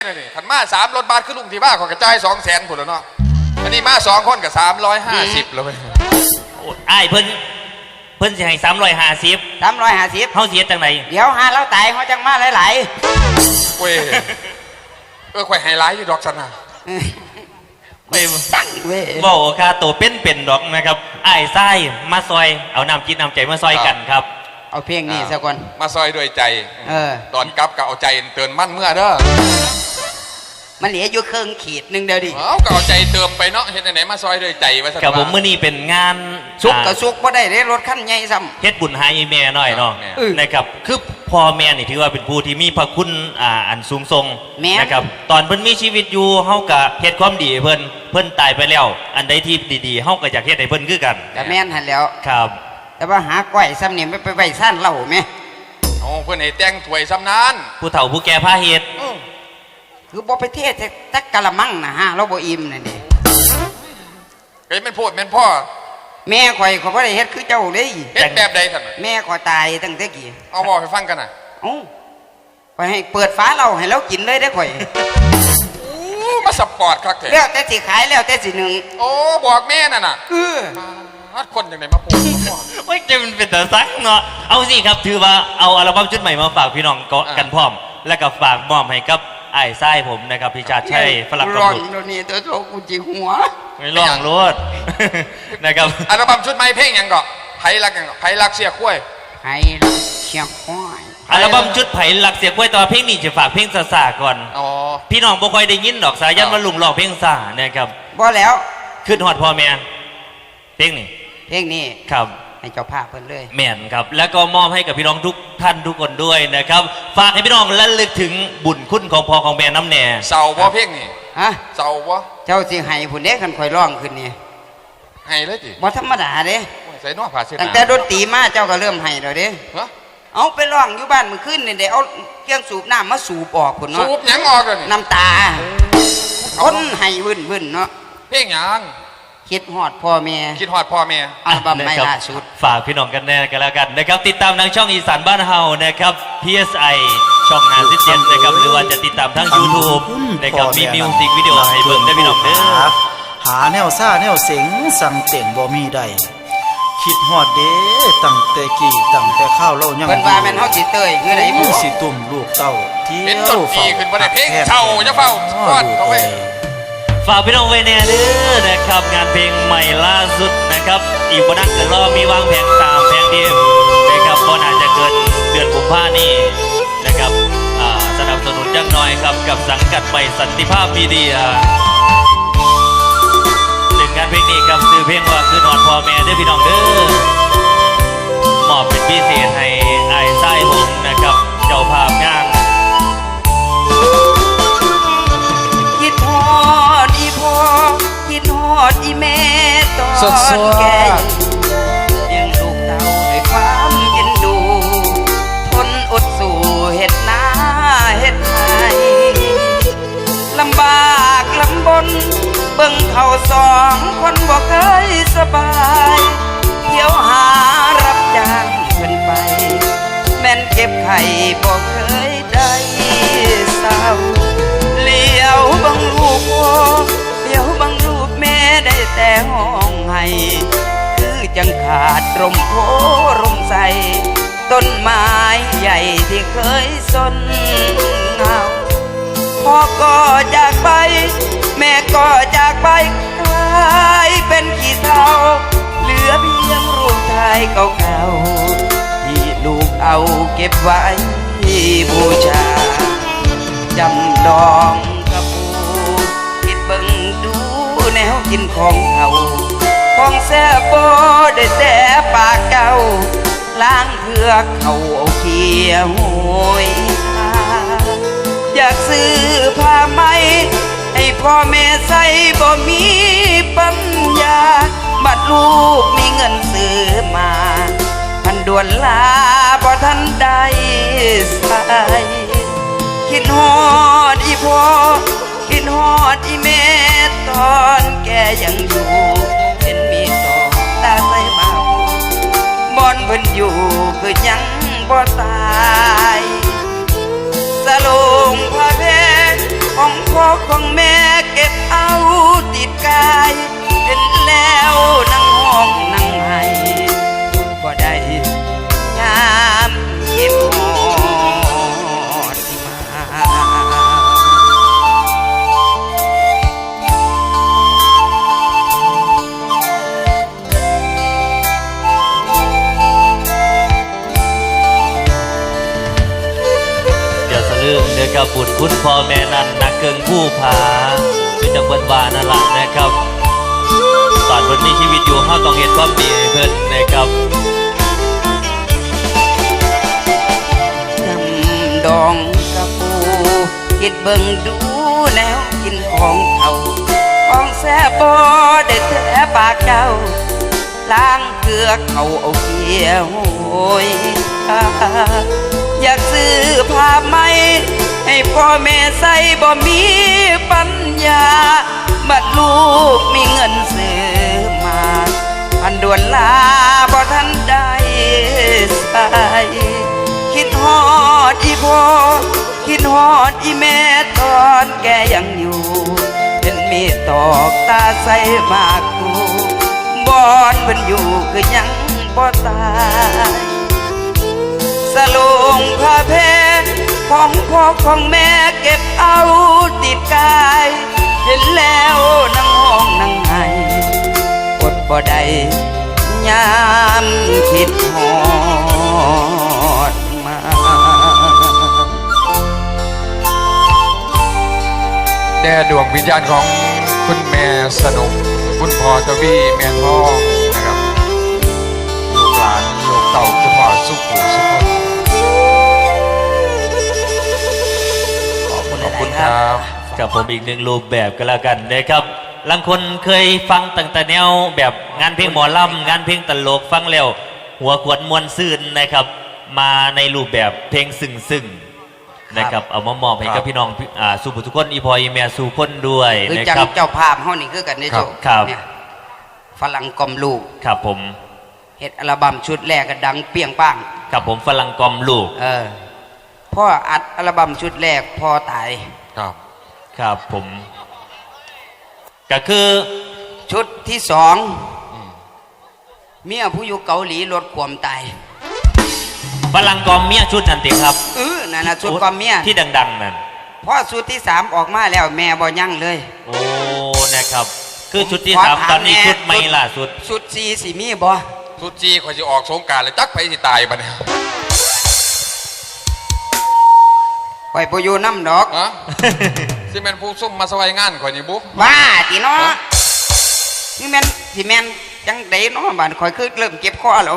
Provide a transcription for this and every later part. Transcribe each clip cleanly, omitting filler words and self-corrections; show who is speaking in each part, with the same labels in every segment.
Speaker 1: นี่ขันมา3 รถบัสขึ้นลุงที่บ้าของกระจาย200,000ผุดแล้วเนาะอันนี้มา2 คนกับ350แล้วไป
Speaker 2: ไอ้เพิ่นจะให้350เขาเสียจังไหน
Speaker 3: เดี๋ยวหาเราตายเขาจังมาหลาย
Speaker 1: ๆเว้ยข่อยไฮไลท์อยู่ดอกสนา
Speaker 2: ไม่สั่งเว้ยบอกค่าตัวเป็นดอกนะครับไอ้ไส้มาซอยเอาน้ำจิตน้ำใจมาซอยกันครับ
Speaker 3: เอาเพียงนี้สักคน
Speaker 1: มาซอยด้วยใจตอนกลับก็เอาใจเตือนมั่นเมื่อเด้อ
Speaker 3: มันเหลืออยู่เครื่องขีดนึงเดียวดิ
Speaker 1: ก็เอาใจเติมไปเนาะเห็นไหนมาซอยด้วยใจไว้สัก
Speaker 2: กับผมเมื่อนี้เป็นงาน
Speaker 3: สุกกับสุกเพราะได้รถขั้นใหญ่ซ้
Speaker 2: ำเฮ็ดบุญให้แม่หน่อยเนาะนะครับคือพ่อแม่นี่ถือว่าเป็นผู้ที่มีพระคุณอันสูงส่งนะครับตอนเพิ่นมีชีวิตอยู่เฮาก็เฮ็ดความดีเพิ่นตายไปแล้วอันใดที่ดีๆเฮาก็อยากเฮ็ดให้เพิ่นคือกัน
Speaker 3: แต่แม่นหันแล้ว
Speaker 2: ครับ
Speaker 3: แต่ว่าหาก้อยซ้ำนี่ไม่ไปซ่านเหล้าไหม
Speaker 1: โอ้เพิ่นให้แต่งถ้วยซ้ำนั้น
Speaker 2: ผู้เฒ่าผู้แก่พาเฮ็ด
Speaker 3: คือบ่ไปเทศแต่กะละมังนะฮะเราบ่อิ่มนั่นดิ
Speaker 1: เฮ้ยมันพูดแม่นพ่อ
Speaker 3: แม่ข่อยบ่ได้เฮ็ดคือเจ้าเลย
Speaker 1: เฮ็ดแบบใดท่าน
Speaker 3: แม่ข่อยตายตั้งแต่กี้
Speaker 1: เอาบอกให้ฟังกันน่ะ
Speaker 3: ข่อยให้เปิดฝาเราให้เรากินเลยได้ข่อย
Speaker 1: มาสปอร์ตครับแท้
Speaker 3: แล้วแต่สิขายแล้วแต่สิหนึ่ง
Speaker 1: โอ้บอกแม่น่ะน่ะคนอย่างไหนมาพูด
Speaker 2: โอ้ยจะมันเป็นแต่ซักเนาะเอาสิครับถือว่าเอาอัลบั้มชุดใหม่มาฝากพี่น้องกันพร้อมแล้วก็ฝากมอบให้กับไอ้ไส้ผมนะครับพี่ชาติชัยฝรั่งกำ
Speaker 3: ลังนี่ตัวโตกูจีหัว
Speaker 2: ไม่ร้องรถนะครับ
Speaker 1: อัลบั้มชุดใหม่เพลงยังก็ไผ่รักยังก็ไผ่รักเสียคุ้ย
Speaker 3: ไผ่รักเสียคุ้ย
Speaker 2: อัลบั้มชุดไผ่รักเสียคุ้ยตอนเพลงนี้จะฝากเพลงซาก่อนพี่น้องบ่ค่อยได้ยินดอกสายันมาลุงร้องเพลงซานะครับ
Speaker 3: บ่แล้ว
Speaker 2: ขึ้นฮอดพ่อแม่เพลงนี้ครับ
Speaker 3: ให้เจ้าภาพเพิ่นเลย
Speaker 2: แม่นครับแล้วก็มอบให้กับพี่น้องทุกท่านทุกคนด้วยนะครับฝากให้พี่น้องระลึกถึงบุญคุณของพ่อของแม่น้ำแน่
Speaker 1: เศร้าบ่เพลงนี่
Speaker 3: ฮะ
Speaker 1: เศร้าบ่
Speaker 3: เจ้าสิให้ผู้เด็กคันค่อยร้องขึ้นนี่
Speaker 1: ให้เลยจิ
Speaker 3: บ่ธรรมดาเด้
Speaker 1: ใส่น้อผ้าเช็ด
Speaker 3: ตั้งแต่ดนตรีมาเจ้าก็เริ่มให้แล้วเด้เอาไปร้องอยู่บ้านมื้อคืนนี่ได้เอาเครื่องสูบน้ำมาสูบออกพุ่นเนาะ
Speaker 1: สูบหยังออกกัน
Speaker 3: น้ำตาคนให้วึ่นเนาะ
Speaker 1: เพลงหยัง
Speaker 3: คิดฮอดพ่อแม่
Speaker 1: คิดฮอดพ่อแม่
Speaker 3: อัลบั้มใหม่ล่าสุด
Speaker 2: ฝากพี่น้องกันแน่กันแล้วกันนะครับติดตามทางช่องอีสานบ้านเฮานะครับ PSI ช่อง57นะครับหรือว่าจะติดตามทาง YouTube นะครับมีมิวสิกวิดีโอให้เบิ่งได้พี่น้องเด้อ
Speaker 4: หาแนวซ่าแนวเสียงสั่งเต่งบ่มีได้คิดฮอดเด้ตั้งแต่กี่ตั้งแต่ข้าวเล่ายัง
Speaker 3: เพิ่นว่าแม่นเฮาสิเตยคือได
Speaker 4: บ่สิตุ่มลูกเต้า
Speaker 1: เที่ยวเป็นต้นปีขึ้นบ่ได้เพลงเช่าจะเฝ้าก่อนเขาไว้
Speaker 2: ฝากพี่น้องไว้แน่เด้อนะครับงานเพลงใหม่ล่าสุดนะครับอีกบ่นานก็รอมีวางแผง3แผงเดียวนะครับบ่น่าจะเกินเดือนกุมภาพันธ์นี้นะครับสนับสนุนจังน้อยครับกับสังกัดใหม่สันติภาพมีเดียหนึ่งงานเพลงนี้กับชื่อเพลงว่าคือนอนพ่อแม่เด้อพี่น้องเด้อมอบเป็นพิเศษให้ไอ้ไส้ผมนะครับเจ้าภาพงาน
Speaker 3: คิดฮอดอีแม่ตอนแก่เลี้ยงลูกเต้าด้วยความเอ็นดูทนอดสู้เฮ็ดนาเฮ็ดไร่ลำบากลำบนเบิ่งเขา2 คนบ่เคยสบายเที่ยวหารับจ้างเพิ่นไปแม่นเก็บไข่บ่เคยได้เศร้าเลี้ยวบังลูกพ่อเลี้ยวบังลูกแม่ได้แต่ห้องให้คือจังขาดร่มโพร่มใสต้นไม้ใหญ่ที่เคยสนเงาพ่อก็จากไปแม่ก็จากไปกลายเป็นขี้เถ้าเหลือเพียงรูปถ่ายเก่าๆที่ลูกเอาเก็บไว้บูชาจำดองกับปูคิดเบิ่งดูแนวกินของเขาของแซ่บบ่ได้แต่ปากเก่าล้างเพื่อเขาเอาเขียวหวยอยากซื้อผ้าไหมให้พ่อแม่ใส่บ่มีปัญญาบัดลูกมีเงินซื้อมาพันด่วนลาบ่ทันได้ใส่คิดฮอดอีพ่อคิดฮอดอีแม่ตอนแกยังอยู่เห็นมีต่อตาใสมาบ่อนเพิ่นอยู่คือยังบ่ตายสลงพระเพชรขอพ่อของแม่เก็บเอาติดกายเห็นแล้วนั่งห้องนั่งไห้บ่ได้ยามเก็บหอดที่มา
Speaker 2: อย่าสะลืมนะครับบุญคุณพ่อแม่นั้นนักเกิงผู้ผาคือจังเบิ้นวานั่นแหละนะครับตอนเพิ่นมีชีวิตอยู่เฮาต้องเฮ็ดความดีให้เพิ่นนะครับ
Speaker 3: ดำดองกระปูคิดเบิ่งดูแล้วกินของเขาของแซ่บบ่ได้แท้ปากเจ้าล้างเกลือเขาเอาเขียวโอยอยากซื้อผ้าไหมให้พ่อแม่ใส่บ่มีปัญญาบัดลูกมีเงินซื้อมาพันด่วนลาบ่ทันได้ใส่คิดฮอดอีพ่อคิดฮอดอีแม่ตอนแกยังอยู่เห็นมีตอกตาใส่มากกูบอนเพิ่นอยู่คือยังบ่ตายสลงผ้าแพรของพ่อของแม่เก็บเอาติดกายเห็นแล้วนั่งห้องนั่งไห้อดบ่ได้ยามคิดฮอดมา
Speaker 1: แด่ดวงวิญญาณของคุณแม่สนุกคุณพ่อทวีแม่ทองนะครับลูกหลานลูกเต่าคุณพ่อสุขุสุขนขอบคุณครับ
Speaker 2: กับผมอีกหนึ่งรูปแบบก็แล้วกันนะครับบางคนเคยฟังตั้งแต่แนวแบบงานเพลงหมอลำงานเพลงตลกฟังแล้วหัวขวดมวนซื่นนะครับมาในรูปแบบเพลงซึ้งๆนะครับเอามามอบให้กับพี่น้องสู่ผู้ทุกคนอีพออีเมียสู่คนด้วย
Speaker 3: คือ
Speaker 2: นะ
Speaker 3: จัง
Speaker 2: ครับ
Speaker 3: เจ้าภาพเฮานี่คือกันในโจ
Speaker 2: ครับ
Speaker 3: เนี่ยฝรั่งกลมลูก
Speaker 2: ครับผม
Speaker 3: เฮ็ดอัลบั้มชุดแรกก็ดังเปรี้ยงป้าง
Speaker 2: ครับผมฝรั่งกอมลูก
Speaker 3: พ่ออัดอัลบั้มชุดแรกพ่อตาย
Speaker 1: ครับ
Speaker 2: ครับผมก็คือ
Speaker 3: ชุดที่สองเมียผู้อยู่เกาหลีลดความตาย
Speaker 2: ฝรั่งกอมเมียชุดนันติครับ
Speaker 3: นั่นน่ะชุดความเมีย
Speaker 2: ที่ดังๆนั่น
Speaker 3: พอชุดที่สามออกมาแล้วแม่บ่ยั่งเลย
Speaker 2: โอ้นะครับคือชุดที่
Speaker 3: ขอ
Speaker 2: สาม
Speaker 3: ถาม
Speaker 2: ตอนนี้
Speaker 3: แน่
Speaker 2: ชุดไม่ล่าสุด
Speaker 3: ชุดสี่สิมีบ่
Speaker 1: สุดจีข่อยจะออกสงกรารเลยจักไปสิตายบัดเนี่ย
Speaker 3: ไว้บ่อยู่น้ำดอก
Speaker 1: ฮะ สิแม่นผู้ซุ่มมาสวายงานข่อยนี่บุ๊
Speaker 3: บ้าติเนาะนี่แม่นสิแม่นจังไดเนาะบ้านข่อยคือเริ่มเก็บคอแล้ว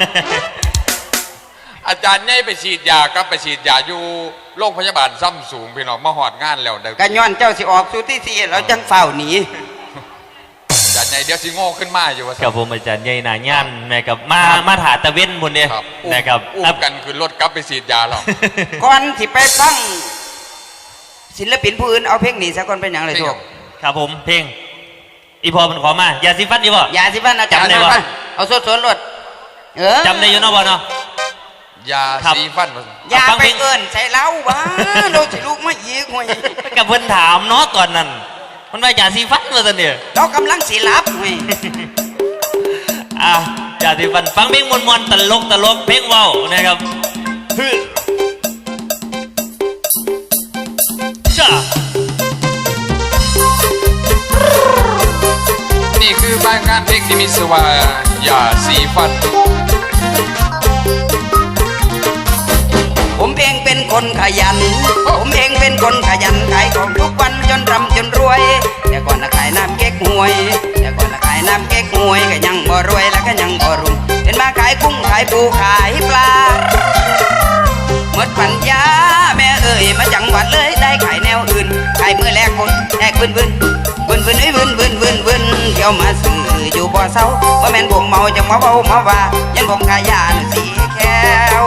Speaker 1: อาจารย์ใหญ่ไปฉีดยากับไปฉีดยาอยู่โรงพยาบาลซ้ำสูงพี่น้องมาหอดงานแล้วเด้อ
Speaker 3: ก็ย้อนเจ้าสิออกชุดที่สี่แล้วจังเฝ้าหนี
Speaker 1: อาจารย์ใหญ่เดี๋ยวสิโง่ขึ้นมาอยู่ว่า
Speaker 2: กับผมอาจารย์ใหญ่หนาย่านนะครับมาถาตะเว้นบนเนี่ย
Speaker 1: ครับ
Speaker 2: นะครับ
Speaker 1: อุ้มกันคือรถกลับไปฉีดยาหรอก
Speaker 3: ก่อนที่ไปฟังศิลปินผู้อื่นเอาเพลงนี้สักคนเป็นอย่างไรทุก
Speaker 2: ครับผมเพลงอีพอมันขอมายาสีฟันดีบ่
Speaker 3: อย่าสิบ้านอาจารย์
Speaker 2: จำได้บ่
Speaker 3: นะเอาสดๆรถ
Speaker 2: จำได้อยู่เนาะบ่เนาะ
Speaker 1: ยา
Speaker 2: ครับ
Speaker 1: สีฟันมา
Speaker 3: อย่า
Speaker 2: ฟัง
Speaker 3: ไป
Speaker 2: เพลง
Speaker 3: เอิ้นใส่เล้าบ้าเราสิลูกมาอีกห่วย
Speaker 2: กับเพิ่นถามเนาะตอนนั้น มันว่ายาสีฟันว่าซั่นเนี่ย
Speaker 3: เรากำลังสิรับห่วย
Speaker 2: ยาสีฟันฟังเพลงมวนๆตลกเพลงเว้านะครับฮึจ้า
Speaker 1: นี่คือบ้านงานเพลงที่มีชื่อว่ายาสีฟัน
Speaker 3: ผมเองเป็นคนขยัน ผมเองเป็นคนขยันขายของทุกวันจนร่ำจนรวย แต่ก่อนน่ะขายน้ำเก๊กฮวย แต่ก่อนน่ะขายน้ำเก๊กฮวยก็ยังบ่รวยแล้วก็ยังบ่รุ่งเป็นมาขายกุ้งขายปูขายปลาหมดปัญญาแม่เอ่ยมาจังหวัดเลยได้ขายแนวอื่นขายมือแรกคนแรกวืนเที่ยวมาซื้ออยู่บ่อเศร้าว่าแม่นผมเมาจังมาเบามาว่ายันผมขายยาสีแก้ว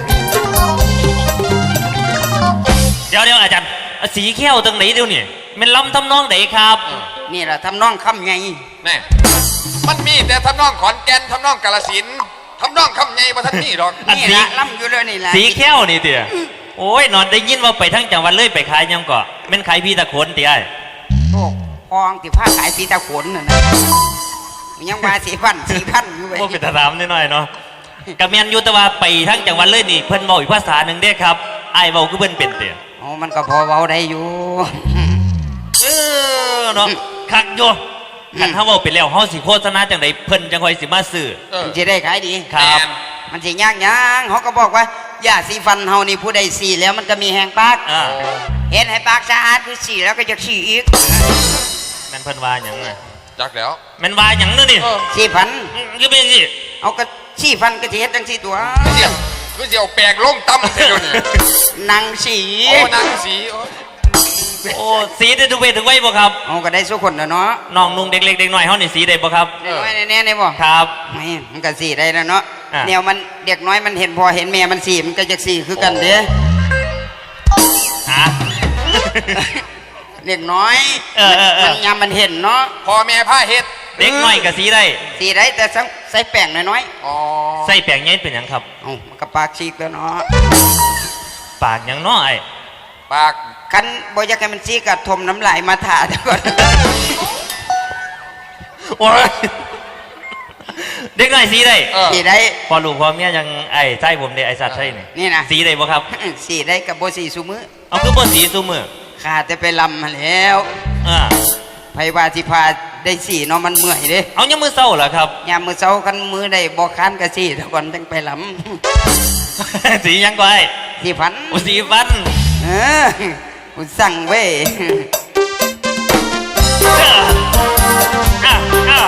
Speaker 2: เดี๋ยวอาจารย์สีแก้วตรงไหนเดี๋ยวนี่มันล้ำทำนองไหนครับ
Speaker 3: นี่แหละทำน้องคำไง
Speaker 1: แน่มันมีแต่ทำนองขอนแก่นทำนองกาฬสินธุ์ทำนองคำใหญ่บ่ทันมีหรอก
Speaker 2: อัน
Speaker 3: นี่
Speaker 2: สี
Speaker 3: ละล่ำอยู่เลยนี่แหละ
Speaker 2: สีแก้วนี่เตี๋ยโอ้ยนอนได้ยินว่าไปทั้งจังหวัดเลยไปขายยังก่อแม่นขายพี่ตะโขนติไอ้
Speaker 3: โอ้พองที่ผ้าขายสีตะขนน่ะนะยังมา4,000อยู่เว้ย
Speaker 2: ว่าเป็นตะถามนิดหน่อยเนาะกะแม่นอยู่แต่ว่าไปทั้งจังหวัดเลยนี่เพิ่นเว้าอีกภาษาหนึงเด้ครับไอ้เว้าคือเพิ่นเป็นเด้
Speaker 3: โอ้มันก็พอเว้าได้อยู่
Speaker 2: เออเนาะคักอยู่คันเฮาเว้าไปแล้วเฮาสิโฆษณาจังไดเพิ่นจังค่อยสิมาซื้อ
Speaker 3: มันจะได้ขายดี
Speaker 2: ครับ
Speaker 3: มันสิยากยังเขาก็บอกว่ายาสีฟันเฮานี่ผู้ใดสีแล้วมันก็มีแหงปาก
Speaker 2: อ่า
Speaker 3: เห็นให้ปากสะอาดคือสีแล้วก็จะสีอีก
Speaker 2: แม่นเพิ่นว่าหยังน่ะ
Speaker 1: จักแล้ว
Speaker 2: แม่นว่าหยังเด้อนี่
Speaker 3: สีฟัน
Speaker 2: คือเป็นสิ
Speaker 3: เอาก็สีฟันก็สิเฮ็ดจังสีตัว
Speaker 1: เดี๋ยวก็เดี๋ยวแปลงลงต่ำเดี๋ยวนี้
Speaker 3: นางสี
Speaker 1: โอ้นางสีโอ้ย
Speaker 2: โอ้สีได้ทุกเพศทุกวัยบ่ครับ
Speaker 3: เอาก็ได้สุคนแล้วเนาะ
Speaker 2: น้องนุ่งเด็กเล็กเด็กน้อยเฮานี่สีได้บ่ครับ
Speaker 3: น้อยแน่ๆได้บ่
Speaker 2: ครับ
Speaker 3: ไม่มันก็สีได้แล้วเนาะ
Speaker 2: อ่ะ
Speaker 3: แนวมันเด็กน้อยมันเห็นพอเห็นแม่มันสีมันก็จะสีคือกันเด้
Speaker 2: ฮะ
Speaker 3: เด็กน้อย
Speaker 2: เออ
Speaker 3: มันยามมันเห็นเนาะ
Speaker 1: พ่อแม่ผ้าเฮ็ด
Speaker 2: เด็กน้อยก็สีได้
Speaker 3: สีได้แต่ใส่แป้งน้อย
Speaker 1: อ๋อ
Speaker 2: ใส่แป้งใหญ่เป็นหยังครับ
Speaker 3: ๆเอ้ามันก็ปากฉีกแล้วเนาะ
Speaker 2: ปากหยังน้อย
Speaker 1: ปาก
Speaker 3: คันบ่อยากให้มันซีกัดทมน้ำลายมาถ่าเดี๋ยวก่อน
Speaker 2: โอ้ยเด็กน้อยสีได้
Speaker 3: สีได้
Speaker 2: พอลูกพอเมียยังไอ้ใช่ผมเด้ไอ้สัตว์ใช่นี่
Speaker 3: นี่นะ
Speaker 2: สีได้บ่ครับ
Speaker 3: สีได้กับบ่สีซุมือ
Speaker 2: เอาคือบ่สีซุมือ
Speaker 3: ข้าแต่ไปลำมาแล้ว
Speaker 2: อ่า
Speaker 3: ไผว่าสิพาได้สีเนาะมันเมื่อยเด้
Speaker 2: เอายังมือเศร้าเหรอครับ
Speaker 3: ยามมื้อเช้าคันมือได้บ่ค้านก็สีเดี๋ยวก่อนจังไปล
Speaker 2: สีหยังก็ไอ้
Speaker 3: ำสีพัน
Speaker 2: โอ้สีฟัน
Speaker 3: เออกูสั่งเว้ย
Speaker 2: อ่ะอ่ะ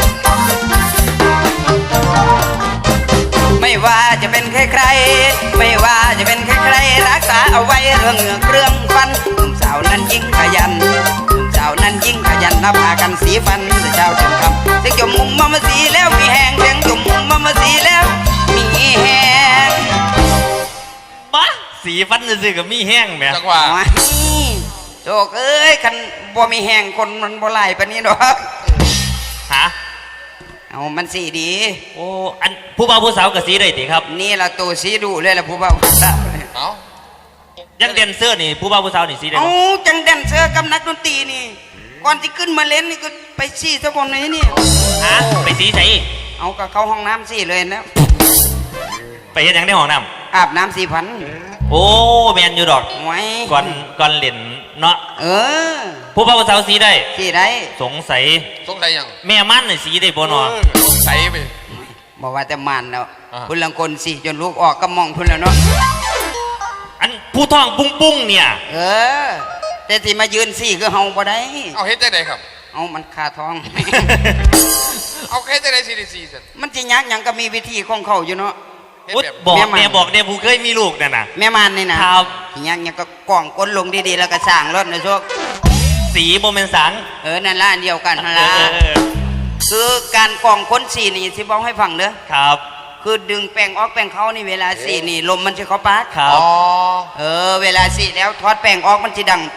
Speaker 3: ไม่ว่าจะเป็นใครๆไม่ว่าจะเป็นใครๆรักษาเอาไว้เรื่องเหงือกเรื่องฟันหนุ่มสาวนั้นยิ่งขยันหนุ่มสาวนั้นยิ่งขยันนับพากันสีฟันแต่เช้าถึงค่ำเสียงจมมุมมาสีแล้วมีแหงเสียงจมมุมมาสีแล้วมีแหง
Speaker 2: บ้าสีฟันซื่อๆกับมีแห้งแหม
Speaker 1: จังหวะ
Speaker 3: โอ้ยโจกเอ้ยคันบ่มีแหงคนมันบ่ไหลปานนี้ดอก
Speaker 2: ฮะ
Speaker 3: เอามันสีดี
Speaker 2: โอ้อันผู้บ่าวผู้สาวกับสีได้ติครับ
Speaker 3: นี่ละตัวสีดูเลยล่ะผู้บ่าวผู้สาว
Speaker 1: เอ้า
Speaker 2: ยังเดนเซอร์นี่ผู้บ่าวผู้สาวนี่สีได้
Speaker 3: เอา
Speaker 2: บ่
Speaker 3: จังแดนเซอร์กับนักดนตรีนี่ก่อนที่ขึ้นมาเล่นนี่ก็ไปสีซะก่อนนี้นี่
Speaker 2: ฮะไปสีใส่
Speaker 3: เอากับเข้าห้องน้ำสีเลยนะ
Speaker 2: ไปเฮ็ดหยังในห้องน้
Speaker 3: อาบน้ำ4,000
Speaker 2: ำโอ้แมนอยู่ดอก
Speaker 3: ไว้
Speaker 2: ก่อนเล่นเนาะ
Speaker 3: เออ
Speaker 2: ผู้บ่าวผู้สาวสีได้
Speaker 3: สีได้
Speaker 2: สงสัย
Speaker 1: สงสัยยัง
Speaker 2: แม่มันนี่สีได้บ่เนาะ
Speaker 1: สงสัยไป
Speaker 3: บอกว่าแต่มันแล้ว
Speaker 1: อ่า
Speaker 3: พุ่นลังคนสีจนลูกออกก็มองพุ่นแล้วเนาะ
Speaker 2: อันผู้ท้องปุ้งๆเนี่ย
Speaker 3: เออ แต่ที่มายืนสีคือเฮาบ่ได้
Speaker 1: เอาเฮ็ดได้ไดครับ
Speaker 3: เอามันคาท้อง
Speaker 1: เอาเฮ็ดได้ไดซีดีซีสัน
Speaker 3: มันสิยากหยังก็มีวิธีของเขาอยู่เนาะ
Speaker 1: เฮ็ด
Speaker 2: อุ๊ย
Speaker 1: แบบ
Speaker 2: บอก
Speaker 3: แม่มัน
Speaker 2: แม่บอกเนี่ยผู้เคยมีลูกนั่นน่ะ
Speaker 3: แม่มานนี่นะครับ สิยากหยังก็กล่องก้นลงดีๆแล้วก็สร้างรถนะโชค
Speaker 2: สีบ่แม่นสัง
Speaker 3: นั่นล่ะอันเดียวกันนั่น
Speaker 2: เอ
Speaker 3: ล่ะ
Speaker 2: อ
Speaker 3: คือการกล่องก้นสีนี่สิบอกให้ฟังเด้อ
Speaker 2: ครับ
Speaker 3: คือดึงแป้งออกแป้งเข้านี่เวลาสีนี่ลมมันจะเข้าปาก
Speaker 2: ครับ
Speaker 1: อ๋อ
Speaker 3: เวลาสีแล้วทอดแป้งออกมันจะดัง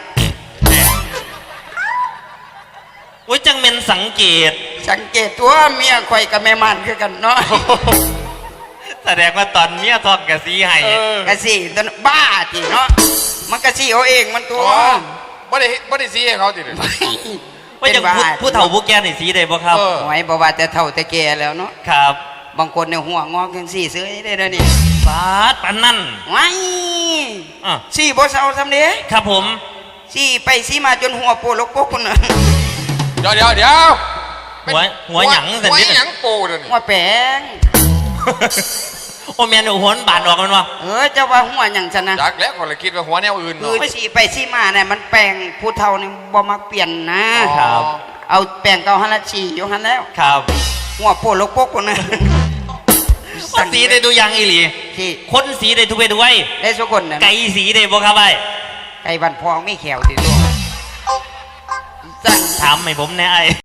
Speaker 2: อุ้ยจังเมนสังเกต
Speaker 3: สังเกตตัวเมียข่อยกับแม่มันคือกันเนาะ
Speaker 2: แสดงว่าตอนเมียทองกับสีให้
Speaker 3: กะสีตัวนั้นบ้าจีเนาะมันกะสีเอาเองมันตัว
Speaker 1: อ๋อบ่ได้ซีให้เขาติเลย
Speaker 2: ว่าจังผู้เฒ่าผู้แก่นี่สีได้บ่ครับ
Speaker 1: เออ
Speaker 3: ไว้บอกว่าแต่เท่าแต่แก่แล้วเนาะ
Speaker 2: ครับ
Speaker 3: บางคนเนี่ยหัวงอกยังสีเสื้อได้เลยนี่
Speaker 2: ฟาดปันนั่น
Speaker 3: ไว้
Speaker 2: อ่ะ
Speaker 3: สีบ่เศร้าสำเด้
Speaker 2: ครับผม
Speaker 3: สีไปสีมาจนหัวโปลกปกคนน่ะ
Speaker 1: เดี๋ยว
Speaker 2: หัวหยังสัน
Speaker 1: หัว
Speaker 2: นิด
Speaker 1: หยังปูเดี๋ยวนี้
Speaker 3: หัวแป้ง
Speaker 2: โอ้แมนหัวบาดออกมันวะ
Speaker 3: เจ้าว่าหัวหยังฉันนะ
Speaker 1: จักแล้วคนละคิดว่าหัวแนวอื่น
Speaker 3: คือ
Speaker 1: เนาะ
Speaker 3: สีไปสีมาเนี่ยมันแปลงผู้เฒ่านี่บ่มักเปลี่ยนนะ
Speaker 2: ครับ
Speaker 3: เอาแปลงเก่าหันละสีอยู่หันแล้ว
Speaker 2: ครับ
Speaker 3: หัวโปลกปกคนน่ะ
Speaker 2: ว่าสีได้ดูยังอีหลี
Speaker 3: ที่
Speaker 2: คนสีได้ทุกเพศทุกวัย
Speaker 3: ได้สุคนน่ะ
Speaker 2: ไก่สีได้บ่ครับไอ้
Speaker 3: ไก่บันพองไม่แขวติดตัวสั่ง
Speaker 2: ถามให้ผมแน่ไอ้